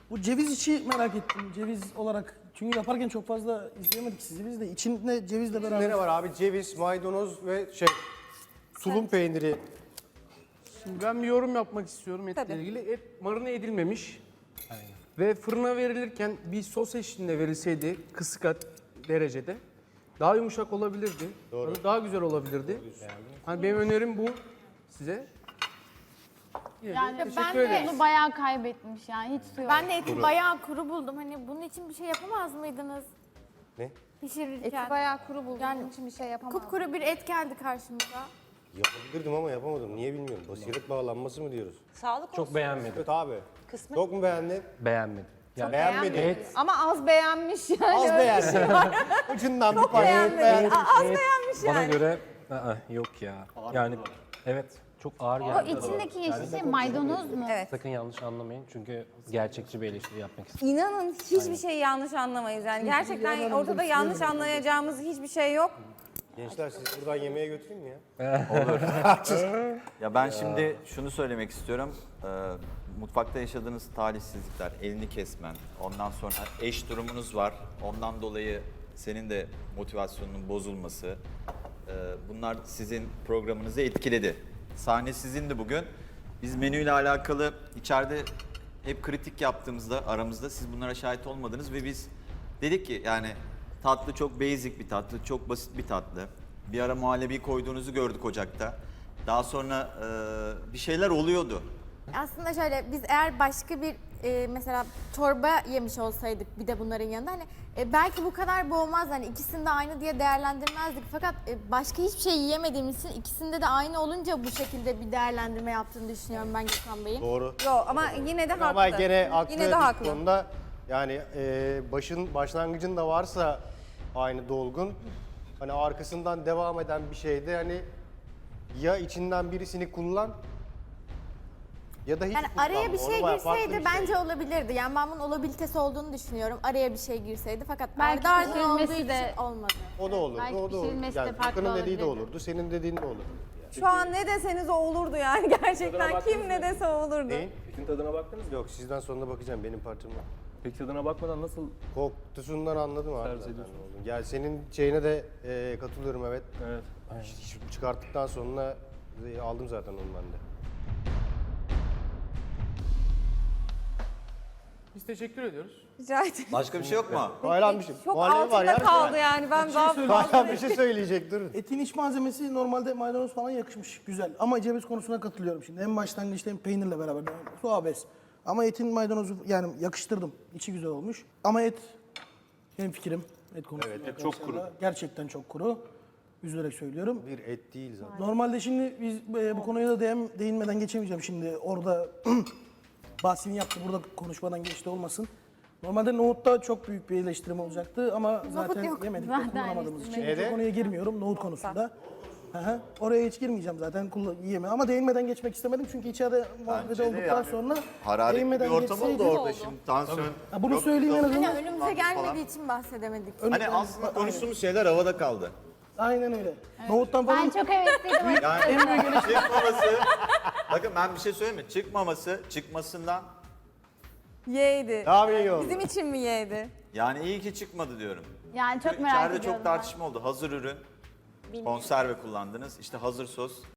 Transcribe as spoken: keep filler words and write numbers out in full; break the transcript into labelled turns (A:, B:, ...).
A: Bu ceviz içi merak ettim. Ceviz olarak. Çünkü yaparken çok fazla izleyemedik sizi biz de. İçinde cevizle beraber.
B: Ne var abi? Ceviz, maydanoz ve şey tulum peyniri.
C: Şimdi ben bir yorum yapmak istiyorum etle
D: Tabii.
C: ilgili. Et marine edilmemiş. Ve fırına verilirken bir sos eşliğinde verilseydi kısık at derecede daha yumuşak olabilirdi. Doğru. Daha güzel olabilirdi. Hani benim önerim bu size. Yine de
E: Yani
C: teşekkür
E: ben de
C: ederiz.
E: onu bayağı kaybetmiş yani hiç su yok.
F: Ben de eti bayağı kuru buldum. Hani bunun için bir şey yapamaz mıydınız?
B: Ne?
F: Pişirirken.
D: Eti bayağı kuru buldum.
F: Yani
D: Onun için bir şey yapamam.
F: Kupkuru bir et geldi karşımıza.
B: Yapabilirdim ama yapamadım. Niye bilmiyorum. Basiret bağlanması mı diyoruz?
G: Sağlık olsun.
H: Çok beğenmedim.
B: Evet abi.
G: Kısmet.
B: Çok mu beğendin?
H: Beğenmedim. Yani
B: Beğenmedin.
H: et,
D: Ama az beğenmiş yani.
B: Az
D: öyle bir şey
B: beğendin.
D: var.
B: Ucundan bir parça et
D: beğenmedim.
B: beğendin.
D: Az
H: et
D: beğenmiş
H: bana
D: yani.
H: göre aa, yok ya. Yani evet çok ağır
E: O
H: geldi.
E: içindeki yeşil şey maydanoz mu?
D: Evet.
H: Sakın yanlış anlamayın çünkü gerçekçi bir eleştiri yapmak istiyorum.
I: İnanın hiçbir şeyi yanlış anlamayız yani. Gerçekten ortada yanlış anlayacağımız hiçbir şey yok.
B: Gençler siz buradan yemeğe götüreyim mi ya?
J: Ya ben şimdi şunu söylemek istiyorum. Ee, mutfakta yaşadığınız talihsizlikler, elini kesmen, ondan sonra eş durumunuz var. Ondan dolayı senin de motivasyonunun bozulması. ee, bunlar sizin programınızı etkiledi. Sahne sizindi bugün. Biz menüyle alakalı içeride hep kritik yaptığımızda aramızda siz bunlara şahit olmadınız ve biz dedik ki yani tatlı çok basic bir tatlı, çok basit bir tatlı. Bir ara muhallebi koyduğunuzu gördük ocakta. Daha sonra e, bir şeyler oluyordu.
F: Aslında şöyle biz eğer başka bir e, mesela çorba yemiş olsaydık bir de bunların yanında hani e, belki bu kadar boğmaz hani ikisini de aynı diye değerlendirmezdik. Fakat e, başka hiçbir şey yiyemediğimiz için ikisinde de aynı olunca bu şekilde bir değerlendirme yaptığını düşünüyorum ben Gökhan Bey'in.
B: Doğru.
I: Yok ama yine de haklı.
B: Ama gene haklı
I: Yine de
B: bir
I: haklı.
B: konuda. Yani e, başın başlangıcında varsa aynı dolgun. Hani arkasından devam eden bir şeyde hani ya içinden birisini kullan ya da hiç
F: Yani
B: kullanma.
F: araya bir
B: Onu
F: şey
B: bayağı farklı
F: girseydi
B: bir şey.
F: bence olabilirdi. Yani ben bunun olabilitesi olduğunu düşünüyorum. Araya bir şey girseydi fakat
E: Belki
F: ardı ardına
E: pişirilmesi
F: olduğu
E: de-
F: için olmadı.
B: O da olurdu,
E: Belki
B: o da olurdu.
E: pişirilmesi de
B: Yani
E: farklı
B: Furkan'ın dediği de
E: olabilirdi.
B: olurdu, senin dediğin de olurdu.
I: Şu an ne deseniz o olurdu yani gerçekten. Kim ne dese o olurdu.
B: Neyin?
H: Etin tadına baktınız mı?
B: Yok sizden sonra bakacağım benim parçama.
H: Peki tadına bakmadan nasıl?
B: Kokusundan anladım abi
H: Servis
B: zaten
H: ediyorsun.
B: ne olduğunu. Yani senin şeyine de e, katılıyorum evet.
H: Evet.
B: Ş- Çıkarttıktan sonra e, aldım zaten onu ben de.
C: Biz teşekkür ediyoruz.
I: Rica ederim.
J: Başka bir şey yok mu?
B: Hayran bir şey.
I: Çok
B: Muhallebi var
I: altında
B: ya.
I: kaldı yani. Ben daha
B: Hayran bir şey söyleyecek durun.
A: Etin iç malzemesi normalde maydanoz falan yakışmış. Güzel. Ama ceviz konusuna katılıyorum şimdi. En başlangıçta hem peynirle beraber. Su abes. Ama etin maydanozu yani yakıştırdım. İçi güzel olmuş. Ama et benim fikrim. Et konusunda.
B: Evet, et
A: çok kuru. Gerçekten çok kuru. Üzülerek söylüyorum.
B: Bir et değil zaten.
A: Normalde şimdi biz e, bu konuya da değin, değinmeden geçemeyeceğim şimdi. Orada bahsini yaptı. Burada konuşmadan geçti olmasın. Normalde nohutta çok büyük bir eleştirim olacaktı ama zaten
F: yok.
A: yemedik
E: Zaten
A: ve kullanamadığımız için.
B: eleştirmedik.
A: Çok konuya girmiyorum nohut konusunda. Hı hı. Oraya hiç girmeyeceğim zaten kullan- yiyeme ama değinmeden geçmek istemedim çünkü içeride muhabbet
J: de
A: olduktan
J: yani
A: sonra
J: Hararetli bir
A: değinmeden
J: ortam oldu
A: geçseydik-
J: orada şimdi. Tansiyon.
A: Ha, bunu
J: Yok,
A: söyleyeyim en
J: yok.
A: azından.
F: Hani önümüze gelmediği için bahsedemedik.
J: Hani aslında konuştuğumuz şeyler havada kaldı.
A: Aynen öyle. Nohuttan falan
E: Ben çok hevesliydim.
J: Yani çıkmaması, bakın ben bir şey söyleyeyim mi? Çıkmaması, çıkmasından
I: Y'ydi.
B: Daha iyi oldu.
I: Bizim için mi Y'di?
J: yani iyi ki çıkmadı diyorum.
E: Yani çok merak
J: İçeride
E: ediyorum.
J: çok tartışma oldu. Hazır ürün, konserve kullandınız. İşte hazır sos.